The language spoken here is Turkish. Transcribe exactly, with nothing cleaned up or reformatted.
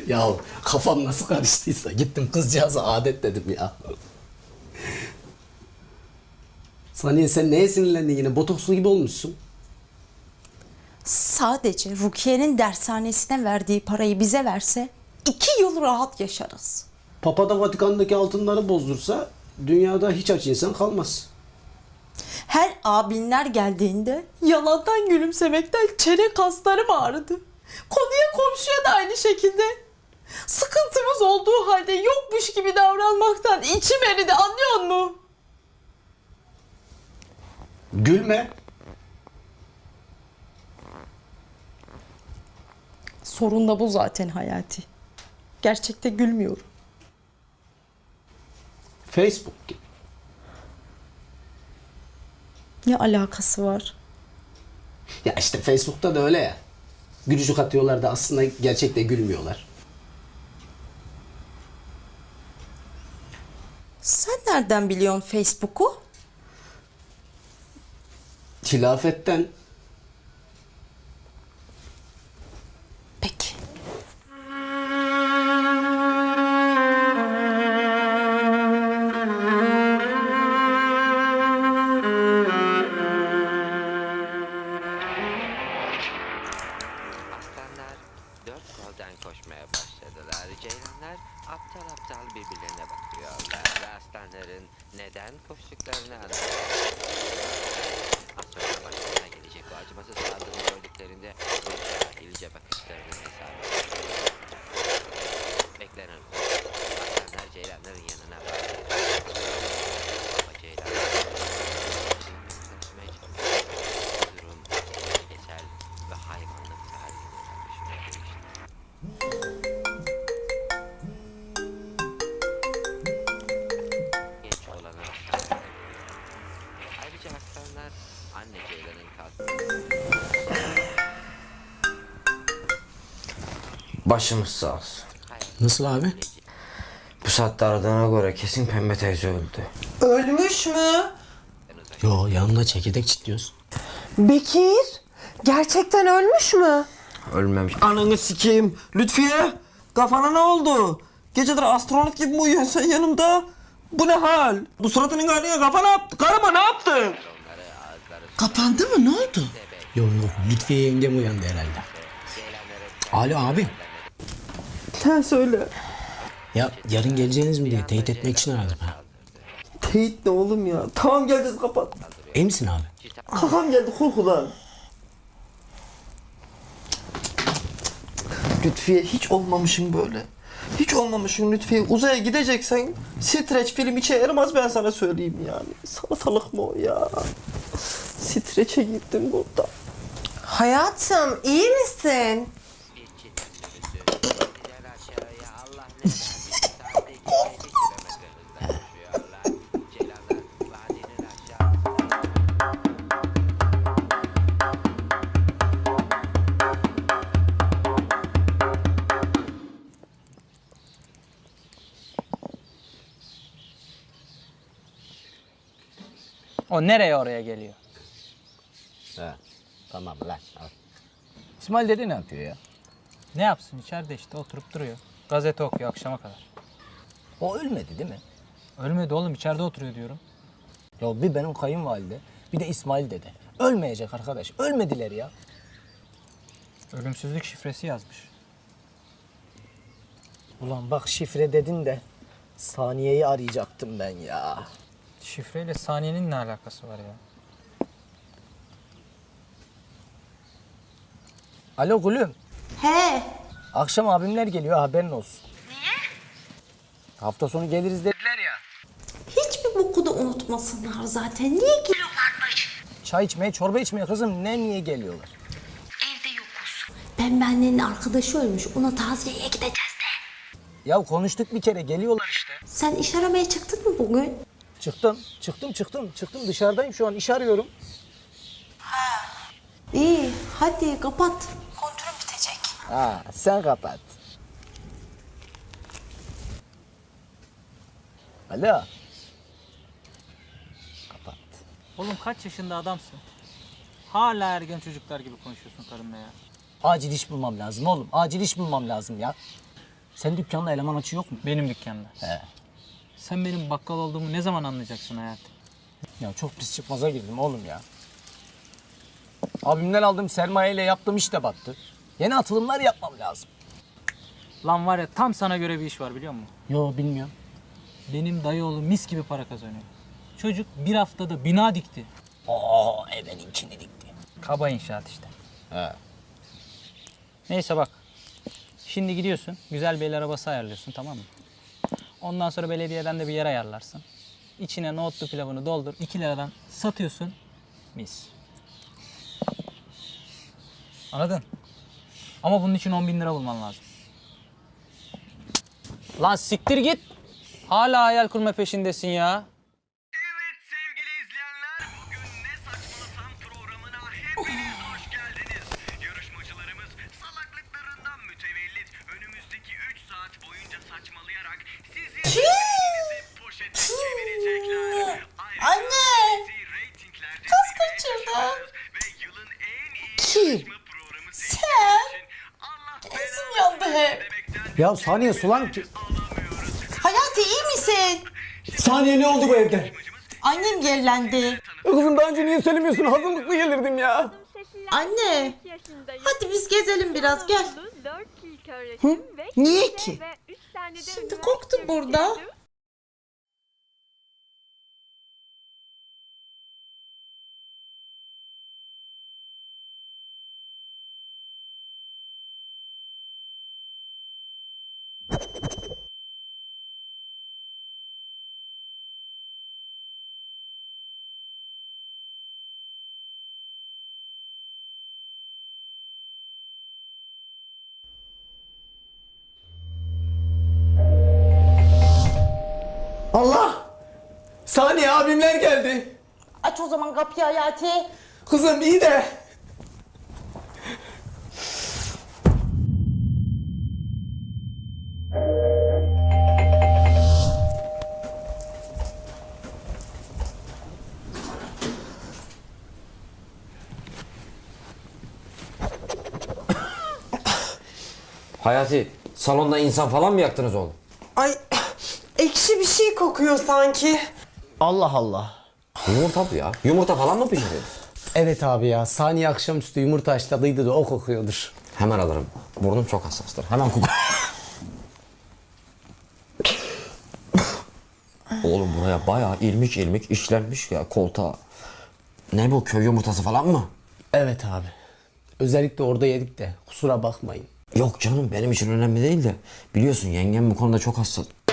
Ya kafam nasıl karıştıysa gittim kızcağıza adet dedim ya. Saniye sen neye sinirlendin yine? Botokslu gibi olmuşsun. Sadece Rukiye'nin dershanesine verdiği parayı bize verse iki yıl rahat yaşarız. Papa da Vatikan'daki altınları bozdursa dünyada hiç aç insan kalmaz. Her abinler geldiğinde yalandan gülümsemekten çene kaslarım ağrıdı. Konuya komşuya da aynı şekilde. Sıkıntımız olduğu halde yokmuş gibi davranmaktan içim eridi, anlıyor musun? Gülme. Sorun da bu zaten Hayati. Gerçekte gülmüyorum. Facebook gibi. Ne alakası var? Ya işte Facebook'ta da öyle ya. Gülücük atıyorlar da aslında gerçekte gülmüyorlar. Sen nereden biliyorsun Facebook'u? Hilafetten. Peki. Aslanlar dört koldan koşmaya başladılar. Ceylanlar aptal aptal birbirlerine bakıyorlar ve aslanların neden koştuklarını anlıyorlar. Az sonra başlarına gelecek bu acımasız saldırıyı gördüklerinde bu cahilce bakışlarını hesaplayacaklar. Beklenen bu. Aslanlar ceylanların yanına vardı. Ama ceylanlar yaklaşmaya çalışıyor. Bu durum bölgesel ve hayvanlık haline tartışmaya geçti. Genç olan aslanlar. Ayrıca aslanlar anne ceylanın kalktığı Başımız sağ olsun. Nasıl abi? Bu saatte aradığına göre kesin Pembe teyze öldü. Ölmüş mü? Yo yanında çekirdek çitliyoruz. Bekir, gerçekten ölmüş mü? Ölmemiş. Ananı sikeyim. Lütfiye, kafana ne oldu? Geceleri astronot gibi mi uyuyorsun sen yanımda? Bu ne hal? Bu suratının haline kafa ne yaptı? Karıma ne yaptın? Kapandı mı? Ne oldu? Yok yok Lütfiye yengem uyandı herhalde. Alo abi. Sen söyle. Ya yarın geleceğiniz mi diye teyit etmek için aradım ha. Teyit ne oğlum ya? Tamam geleceğiz, kapat. İyi misin abi? Kafam geldi korkudan. Lütfiye hiç olmamışım böyle. Hiç olmamışım Lütfiye. Uzaya gideceksen streç film içe yaramaz, ben sana söyleyeyim yani. Salatalık mı o ya? Streçe gittim burada. Hayatım, iyi misin? bir çift sürüsü indiler aşağıya. Allah ne verdiyse saatte iki yüz elli kilometre hızla koşuyorlar. Ceylanlar vadinin aşağı O nereye oraya geliyor? He. Tamam lan al. İsmail dedi ne yapıyor ya? Ne yapsın, içeride işte oturup duruyor. Gazete okuyor akşama kadar. O ölmedi değil mi? Ölmedi oğlum, içeride oturuyor diyorum. Ya bir benim kayınvalide, bir de İsmail dede. Ölmeyecek arkadaş. Ölmediler ya. Ölümsüzlük şifresi yazmış. Ulan bak şifre dedin de Saniye'yi arayacaktım ben ya. Şifreyle saniyenin ne alakası var ya? Alo gülüm. He. Akşam abimler geliyor, haberin olsun. Niye? Hafta sonu geliriz dediler ya. Hiçbir boku da unutmasınlar zaten. Niye geliyorlarmış? Çay içmeye, çorba içmeye kızım, ne niye geliyorlar? Ben annenin arkadaşı ölmüş. Ona taziyeye gideceğiz de. Ya konuştuk bir kere, geliyorlar işte. Sen iş aramaya çıktın mı bugün? Çıktım, çıktım, çıktım, çıktım. Dışarıdayım şu an, iş arıyorum. İyi, hadi kapat. Kontrol bitecek. Ha, sen kapat. Alo. Kapat. Oğlum kaç yaşında adamsın? Hala ergen çocuklar gibi konuşuyorsun karınla ya. Acil iş bulmam lazım oğlum. Acil iş bulmam lazım ya. Sen dükkanda eleman açı yok mu? Benim dükkanda. He. Sen benim bakkal olduğumu ne zaman anlayacaksın hayatım? Ya çok pis çıkmaza girdim oğlum ya. Abimden aldığım sermayeyle yaptığım iş de battı. Yeni atılımlar yapmam lazım. Lan var ya tam sana göre bir iş var biliyor musun? Yo bilmiyorum. Benim dayıoğlu mis gibi para kazanıyor. Çocuk bir haftada bina dikti. Oo evvelinkini dikti. Kaba inşaat işte. He. Neyse bak. Şimdi gidiyorsun. Güzel bir el arabası ayarlıyorsun tamam mı? Ondan sonra belediyeden de bir yer ayarlarsın. İçine nohutlu pilavını doldur. iki liradan satıyorsun. Mis. Anladın? Ama bunun için on bin lira bulman lazım. Lan siktir git. Hala hayal kurma peşindesin ya. Evet sevgili izleyenler, bugün Ne Saçmalasam programına hepiniz hoş geldiniz. Yarışmacılarımız salaklıklarından mütevellit önümüzdeki üç saat boyunca saçmalayarak sizin zevkinizi poşete çevirecekler. Ayrıca Anne! bizi reytinglerde Kız zirveye kaçırdı. taşıyoruz ve yılın en iyi Kim? yarışma programı Sen? seçtiğiniz için Allah Gözüm belanı yandı hep. demekten Ya saniye Sulan ki. alamıyoruz. Hayati iyi misin? Saniye ne oldu bu evde? Annem yerlendi. Kızım daha önce niye söylemiyorsun? Hazırlıklı gelirdim ya. Anne. Hadi biz gezelim biraz gel. Hı? Niye ki? Şimdi koktu burada. Allah! Saniye abimler geldi. Aç o zaman kapıyı Hayati. Kızım iyi de. Hayati, salonda insan falan mı yaktınız oğlum? Ay ekşi bir şey kokuyor sanki. Allah Allah. Yumurta bu ya. Yumurta falan mı pişirdin? Evet abi ya. Saniye akşamüstü yumurta haşladıydı da o kokuyordur. Hemen alırım. Burnum çok hassastır. Hemen koku. Oğlum buraya bayağı ilmik ilmik işlenmiş ya koltuğa. Ne bu, köy yumurtası falan mı? Evet abi. Özellikle orada yedik de kusura bakmayın. Yok canım, benim için önemli değil de. Biliyorsun yengem bu konuda çok hassas.